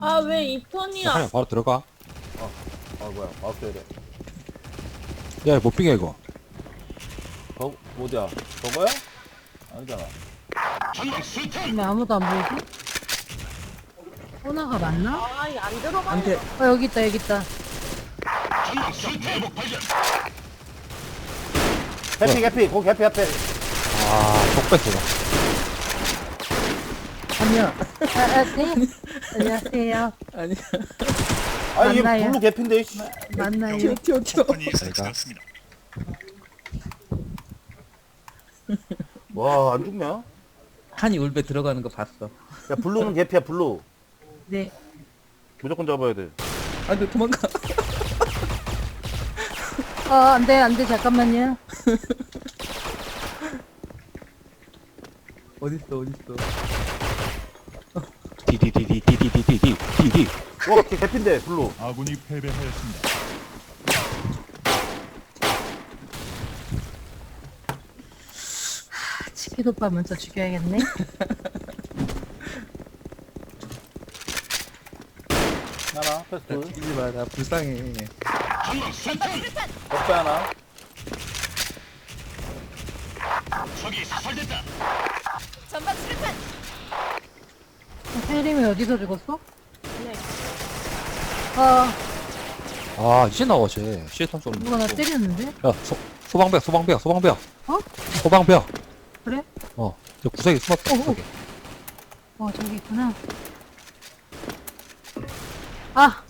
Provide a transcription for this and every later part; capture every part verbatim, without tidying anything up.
아, 왜 이 턴이야? 하냐 바로 들어가. 아 뭐야 마우스 이래. 야 못 빙해 이거. 저 어디야? 저거야? 아니잖아. 근데 아무도 안 보이지? 호나가 맞나? 아, 이안 들어가. 안돼. 어 여기 있다 여기 있다. 해피 해피 거기 해피 해피. 아속 뺐어. 아니야. 아, 아, 네. 안녕하세요. 아니야. 아니 얘 맞나요? 블루 개피인데. 씨. 맞나요? 튀어 튀어 튀어. 와안 죽냐? 한이 울베 들어가는 거 봤어. 야 블루는 개피야 블루. 네. 무조건 잡아야 돼. 안돼 도망가. 어 안돼 안돼 잠깐만요. 어딨어 어딨어. 디디디디디디디디디디. 와 걔 개피인데 블루. 아군이 패배하였습니다. 치킨 오빠 먼저 죽여야겠네. 하나 패스 둘. 죽이지 마. 나 불쌍해. 덕배 하나. 혜림이 어디서 죽었어? 네. 아 아 이제 나와 쟤. 시에탄 쏘는. 누가 나 때렸는데? 야 소, 소방벽 소방벽 소방벽. 어? 소방벽. 그래? 어. 저 구석에 숨었다. 어, 어. 구석에. 어 저기 있구나. 아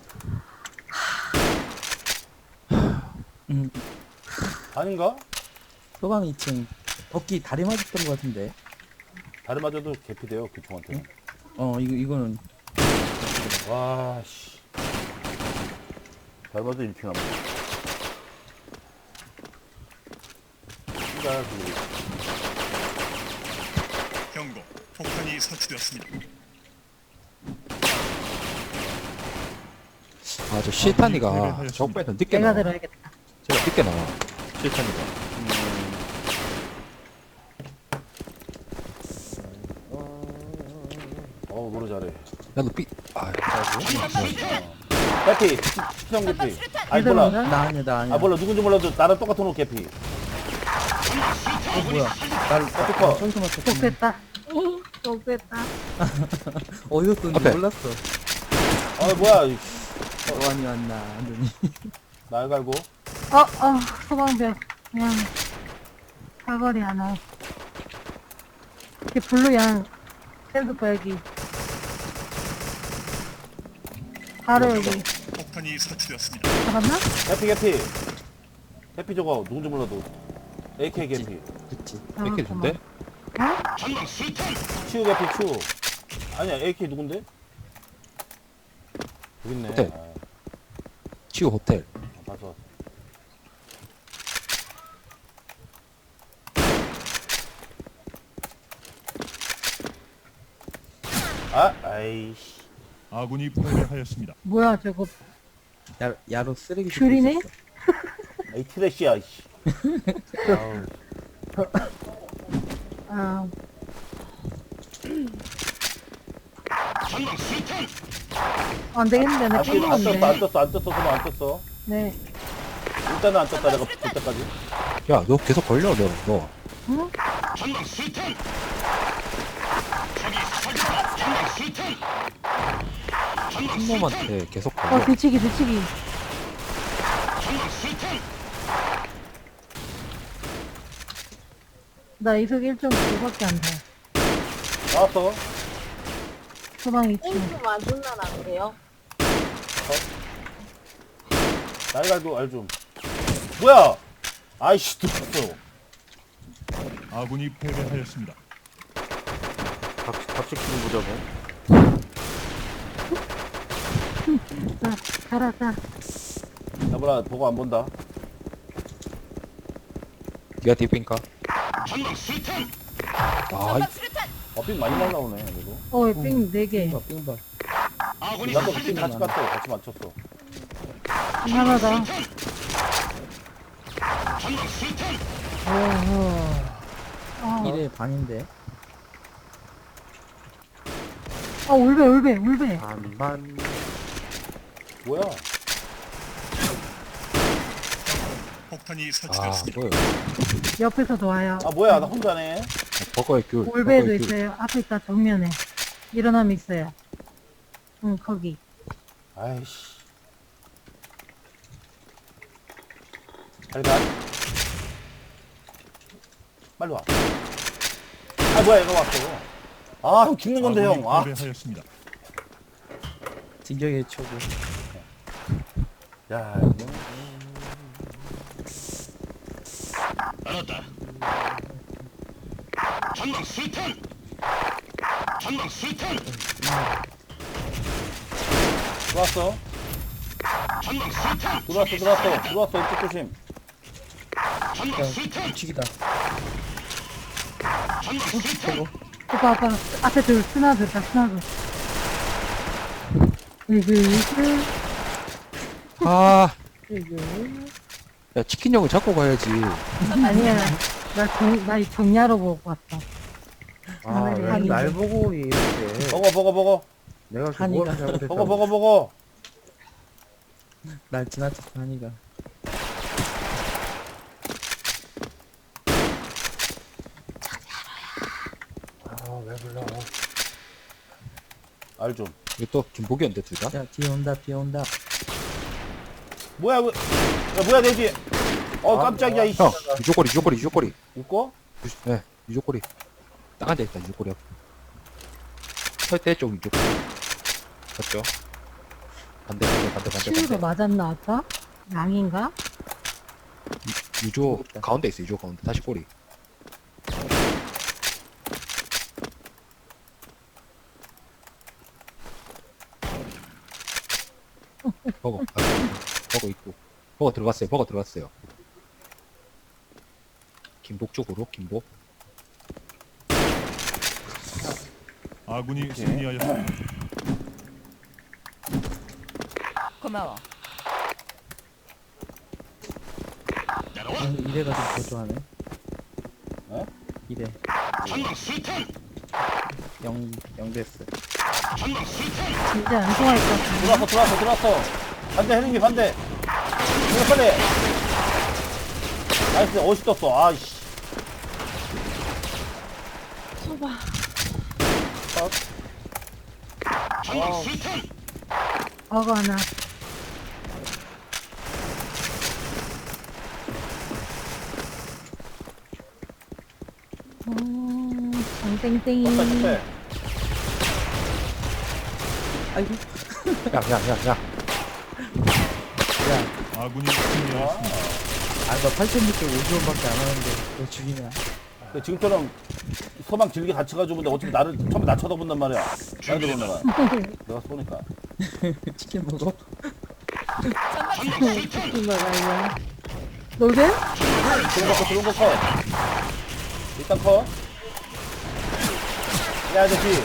음. 아닌가? 소방 이 층. 어깨 다리 맞았던 거 같은데. 다리 맞아도 개피돼요 그 총한테. 어 이거 이거는 와 씨. 다리 맞아도 일 킬 남았어. 진짜 그 경고. 폭탄이 설치되었습니다. 아저 시에탄이가 적 빼서 늦게 내가 나와. 들어야겠다. 제가 늦게 나와. 시에탄이가. 어우 노래 잘해. 야너 삐. 아. 개피 수정 개피. 아니 얘들 몰라. 뭐냐? 나 아니야 나 아니야. 아 몰라 누군지 몰라도 나랑 똑같은 옷 개피. 어, 뭐야? 날 어떡해. 저기서 맞췄어. 독됐다. 독됐다. 어디서 쏜지 앞에. 몰랐어. 아 뭐야 이 어안이 왔나 안더니. 날 갈고. 어, 어, 소방벽. 그냥, 사거리 하나. 이렇게 블루 양, 샌드바 여기. 바로 여기. 폭탄이 설치되었습니다. 잡았나? 개피 개피. 개피 저거 누군지 몰라도. 에이케이 개피. 그치. 이렇게 준대? 어? 치우 개피 치우. 아니야 에이케이 누군데? 여기 있네. 호텔. 아, 치우 호텔. 봐서. 아, 아이씨. 아군이 패배하였습니다. 뭐야, 저거, 야 야로 쓰레기. 귤이네? 줍고 있었어. 아이 트래시야, 이씨. 아우. 아, 안 되겠는데, 나 안, 떴- 안 떴어, 안 깨물었네. 떴어, 안 떴어, 그만 안 떴어. 네. 일단은 안 떴다, 내가 볼 때까지. 야 너 계속 걸려 너. 너. 응? 한 놈한테 계속 어, 걸려. 뒤치기, 뒤치기. 나 이속 일 점 구밖에 안 돼. 나왔어. 소방 이 층. 땡큐 맞은 날안 돼요? 날 갈고, 알 좀. 뭐야! 아이씨, 들었어. 아군이 패배하였습니다. 각, 각색 기분 보자고. 자, 가라, 가. 야보라, 보고 안 본다. 니가 딥인가? 아 이- 어, 핀 많이 날라오네, 그래도. 어, 삥 네 개. 빙바 빙바. 나도 핀 같이 갔어, 같이 맞췄어. 하나 더. 어, 일회 반인데. 어, 울베, 울베, 울베. 반반. 뭐야? 폭탄이 아 설치되었습니다. 뭐야? 옆에서도 와요. 아 뭐야 나 혼자네. 버거의 귤. 울베도 버거의 귤. 있어요. 앞에 있다, 정면에. 일어나면 있어요. 응, 거기. 아이씨. 잘 가. 빨리 와. 아 뭐야 얘가 왔어. 아 형 죽는 건데 아군이 형. 아. 패배하였습니다. 진격의 초보. 야 이거. 알았다. 전방 수탄. 전방 수탄. 들어왔어. 전방 수탄. 들어왔어 들어왔어 들어왔어 이쪽 조심. 전방 수탄. 우측이다. 전방 수탄. 오빠, 오빠, 앞에 둘, 스나 둘, 다 스나 둘. 이글, 이글, 아, 이글. 야 치킨 형을 잡고 가야지. 아니야. 나 정, 나 정야로 보고 왔어. 아, 하늘이 왜 하늘이. 날 보고 이렇게. 먹어 먹어 먹어. 내가 한이가- 그거를 잘못했다. 먹어 먹어 먹어. 날 지나쳤어 하니가. 아, 왜 불러? 알 좀. 이거 또 김복이었는데 둘 다? 야 뒤에 온다 뒤에 온다. 뭐야 왜? 야 뭐야 내 뒤에. 어 깜짝이야 이씨. 형 유조꼬리 유조꼬리 유조꼬리. 웃고? 유- 네 유조꼬리. 딱 앉아있다 유조꼬리. 설대 쪽 유조꼬리. 맞죠? 반대 반대 반대 반대 치유가 반대. 맞았나, 아까? 양인가? 유조 가운데 있어 유조 가운데 다시 꼬리. 버거 아, 버거 있고 버거 들어갔어요 버거 들어갔어요. 김복 쪽으로 김복. 아군이 승리하였습니다. 고마워. 아, 이래가 좀 더 좋아하네. 어? 이래. 전방 수탄. 영, 영 됐어. 전방 수탄. 진짜 안 좋아할 것 같은데. 들어왔어 들어왔어 들어왔어. 반대 해는기 반대. 이거 빨리. 나이스 어시 떴어. 아이씨. 소바. 전방 수탄. 버거 하나. 음, 장땡땡이. 떴다 실패. 아이고. 야야야야. 야, 아군이 승리하였습니다. 아, 너 팔천육백 오십 원밖에 안 하는데 너 죽이냐? 근데 지금처럼 소방 길게 같이 가지고 근데 어차피 나를 처음에 나 쳐다본단 말이야. 나를 들어오다가 내가 쏘니까. 치킨 먹어? 전방 수탄. 치킨 먹어요. 놀게? 들어온 거 컷, 들어온 거 컷. 일단 컷. 야, 아저씨.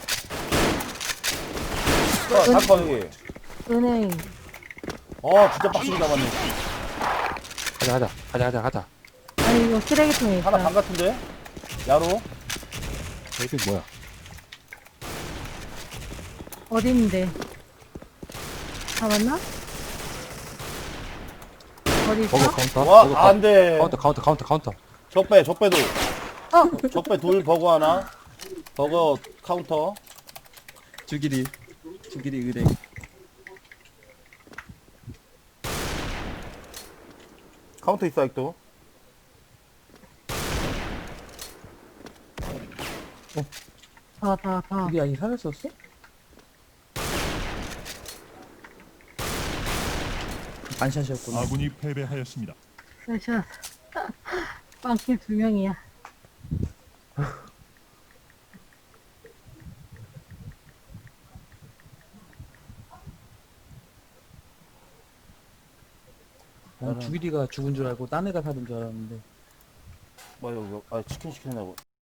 컷, 다 컷, 여기. 은행. 어, 진짜 빡치게 잡았네. 가자 가자 가자 가자 가자. 아니, 이거 쓰레기통에 하나 반 있다. 같은데? 야로? 이게 뭐야? 어디 있는데? 잡았나? 어디 있어? 버거 카운터. 와, 버거 안 돼. 카운터 카운터 카운터 카운터. 적배, 적배도. 어! 적배 둘, 버거 하나. 버거 카운터. 주기리. 주기리 의뢰. 카운터 있어, 아직도. 다, 다, 다. 우리 아니 살았었어? 반샷이었구나. 아군이 패배하였습니다. 샷. 빵킬 두 명이야. 난 주기리가 죽은 줄 알고 딴 애가 살은 줄 알았는데. 뭐, 이거, 아, 치킨 시키냐고.